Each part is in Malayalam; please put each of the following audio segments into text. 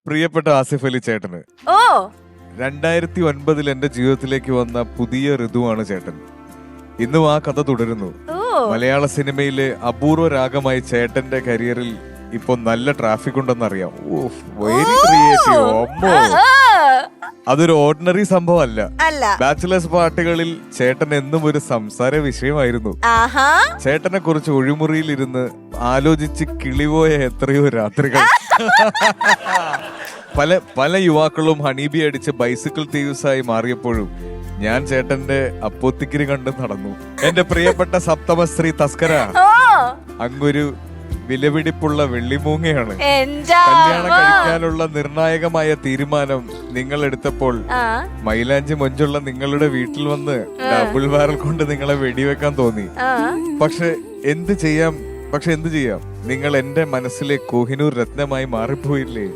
പ്രിയപ്പെട്ട ആസിഫ് അലി ചേട്ടന് ഓ 2009 എന്റെ ജീവിതത്തിലേക്ക് വന്ന പുതിയ ഋതുവാണ് ചേട്ടൻ. ഇന്നും ആ കഥ തുടരുന്നു. മലയാള സിനിമയിലെ അപൂർവ രാഗമായി ചേട്ടന്റെ കരിയറിൽ ഇപ്പൊ നല്ല ട്രാഫിക് ഉണ്ടെന്നറിയാം. Very creative. അതൊരു ഓർഡിനറി സംഭവം അല്ല. ബാച്ചിലേഴ്സ് പാർട്ടികളിൽ ചേട്ടൻ എന്നും ഒരു സംസാര വിഷയമായിരുന്നു. ചേട്ടനെ കുറിച്ച് ഒഴിമുറിയിൽ ഇരുന്ന് ആലോചിച്ച് കിളിപോയ എത്രയോ രാത്രികൾ. പല യുവാക്കളും ഹണീബി അടിച്ച് ബൈസിക്കിൾ തീവ്സായി മാറിയപ്പോഴും ഞാൻ ചേട്ടന്റെ അപ്പോത്തിക്കിരി കണ്ട് നടന്നു. എന്റെ പ്രിയപ്പെട്ട സപ്തമശ്രീ തസ്കര അങ്ങൊരു വിലപിടിപ്പുള്ള വെള്ളിമൂങ്ങയാണ്. കല്യാണം കഴിക്കാനുള്ള നിർണായകമായ തീരുമാനം നിങ്ങൾ എടുത്തപ്പോൾ മൈലാഞ്ചി മൊഞ്ചുള്ള നിങ്ങളുടെ വീട്ടിൽ വന്ന് ഡബിൾ ബാരൽ കൊണ്ട് നിങ്ങളെ വെടിവെക്കാൻ തോന്നി. പക്ഷെ എന്ത് ചെയ്യാം നിങ്ങൾ എന്റെ മനസ്സിലെ കോഹിനൂർ രത്നമായി മാറിപ്പോയില്ലേ.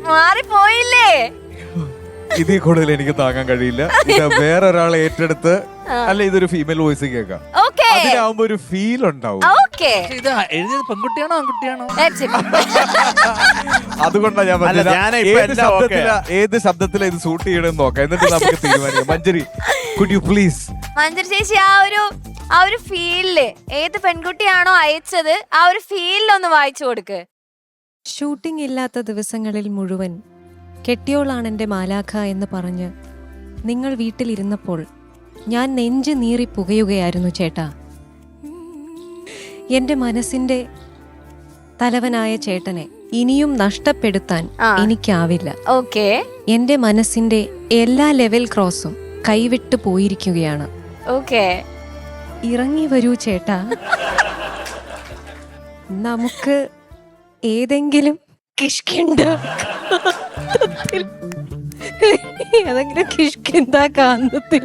ഇതിൽ കൂടുതൽ എനിക്ക് താങ്ങാൻ കഴിയില്ല. ഇത് വേറൊരാളെ ഏറ്റെടുത്ത് അല്ല, ഇതൊരു ഫീമെയിൽ വോയിസ് കേൾക്കാം. അതിലാവുമ്പോ ഒരു ഫീൽ ഉണ്ടാവും. പെൺകുട്ടിയാണോ ആൺകുട്ടിയാണോ? അതുകൊണ്ടാണ് ഞാൻ പറഞ്ഞത് ഏത് ശബ്ദത്തിലാ ഇത് ഷൂട്ട് ചെയ്യണമെന്ന് നോക്കാം, എന്നിട്ട് നമുക്ക് തീരുമാനിക്കാം. Manjari, could you please? Manjari ചേച്ചി ആ ഒരു ഫീലില് ഏത് പെൺകുട്ടിയാണോ അയച്ചത് ആ ഒരു ഫീലിലൊന്ന് വായിച്ചു കൊടുക്ക്. ഷൂട്ടിംഗ് ഇല്ലാത്ത ദിവസങ്ങളിൽ മുഴുവൻ കെട്ടിയോളാണെന്റെ മാലാഖ എന്ന് പറഞ്ഞ് നിങ്ങൾ വീട്ടിലിരുന്നപ്പോൾ ഞാൻ നെഞ്ച് നീറി പുകയുകയായിരുന്നു ചേട്ടാ. എന്റെ മനസ്സിന്റെ തലവനായ ചേട്ടനെ ഇനിയും നഷ്ടപ്പെടുത്താൻ എനിക്കാവില്ല. എന്റെ മനസ്സിന്റെ എല്ലാ ലെവൽ ക്രോസും കൈവിട്ടു പോയിരിക്കുകയാണ്. ഇറങ്ങി വരൂ ചേട്ടാ, നമുക്ക് ഏതെങ്കിലും കിഷ്കിന്ത ഏതെങ്കിലും കിഷ്കിന്ത കാന്തത്തിൽ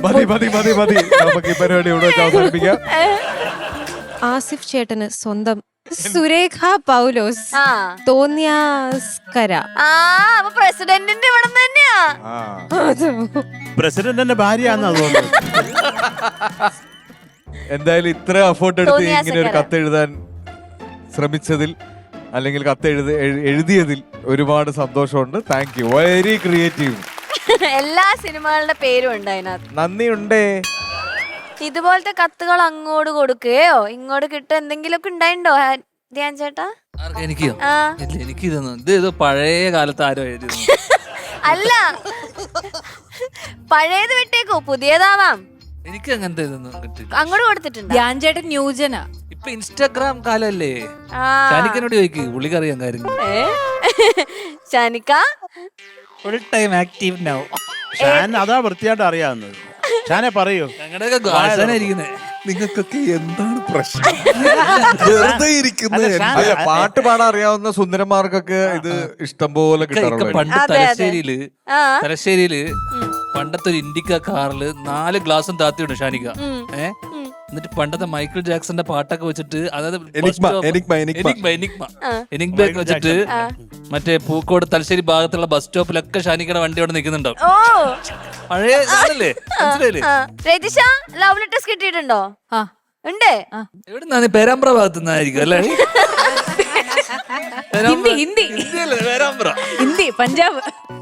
ആസിഫ് ചേട്ടന് സ്വന്തം സുരേഖ പൗലോസ് തോന്നിയാസ്കര. പ്രസിഡന്റിന്റെ ഇവിടെ തന്നെയാ. പ്രസിഡന്റിന്റെ ഭാര്യയാണെന്ന് തോന്നുന്നു. എന്തായാലും ഇത്ര എഫേർട്ട് എടുത്ത് ഇങ്ങനെ ഒരു കത്ത് എഴുതാൻ ശ്രമിച്ചതിൽ അല്ലെങ്കിൽ കത്ത് എഴുതിയതിൽ ഒരുപാട് സന്തോഷമുണ്ട്. Thank you, very creative. എല്ലാ സിനിമകളുടെ പേരും ഉണ്ട് അതിനകത്ത്. നന്ദിയുണ്ടേ. ഇതുപോലത്തെ കത്തുകൾ അങ്ങോട്ട് കൊടുക്കുകയോ ഇങ്ങോട്ട് കിട്ടുക എന്തെങ്കിലുമൊക്കെ ഉണ്ടായിണ്ടോ ധ്യാൻ ചേട്ടാ? എനിക്കിതൊന്നും പഴയ കാലത്ത് ആരോ എഴുതി. അല്ല, പഴയത് വിട്ടേക്കോ, പുതിയതാവാം. എനിക്ക് അങ്ങനത്തെ ഇതൊന്നും അങ്ങോട്ട് കൊടുത്തിട്ടുണ്ട്. ധ്യാൻ ചേട്ടൻ ന്യൂജനാ. ഇപ്പൊ ഇൻസ്റ്റാഗ്രാം കാലല്ലേ. ഷാനിക്കനോട് ചോദിക്ക്, പുള്ളിക്കറിയാൻ കാര്യം. ഷാനിക്ക ഫുൾ ടൈം ആക്റ്റീവ് നൗ. അതാ വൃത്തിയായിട്ട് അറിയാവുന്നത്. ഷാനെ പറയൂ. ഞങ്ങളുടെയൊക്കെ ഗാർഡനായിരിക്കുന്നേ. നിങ്ങൾക്കൊക്കെ എന്താണ് പ്രശ്നം? വെറുതെ ഇരിക്കുന്നത്. പാട്ട് പാടാൻ അറിയാവുന്ന സുന്ദരന്മാർക്കൊക്കെ ഇത് ഇഷ്ടം പോലെ കിട്ടാറുണ്ട്. പണ്ട് തലശ്ശേരിയില് പണ്ടത്തെ ഒരു ഇൻഡിക്ക കാറില് 4 ഗ്ലാസും താത്തിയുണ്ട് ഷാനിക്ക. എന്നിട്ട് പണ്ടത്തെ മൈക്കിൾ ജാക്സന്റെ പാട്ടൊക്കെ വെച്ചിട്ട്, അതായത് എനിഗ്മ വെച്ചിട്ട് മറ്റേ പൂക്കോട് തലശ്ശേരി ഭാഗത്തുള്ള ബസ് സ്റ്റോപ്പിലൊക്കെ ഷാനിക്കയുടെ വണ്ടി അവിടെ നിൽക്കുന്നുണ്ടാവും. പഴയ ആണല്ലേ, മനസ്സിലായില്ലേ? ലവ് ലെറ്റേഴ്സ് കിട്ടിയിട്ടുണ്ടോ? ഉണ്ട്. എവിടുന്നാ? പേരാമ്പ്ര ഭാഗത്തു നിന്നായിരിക്കും അല്ലേ? ഹിന്ദി, പഞ്ചാബ്.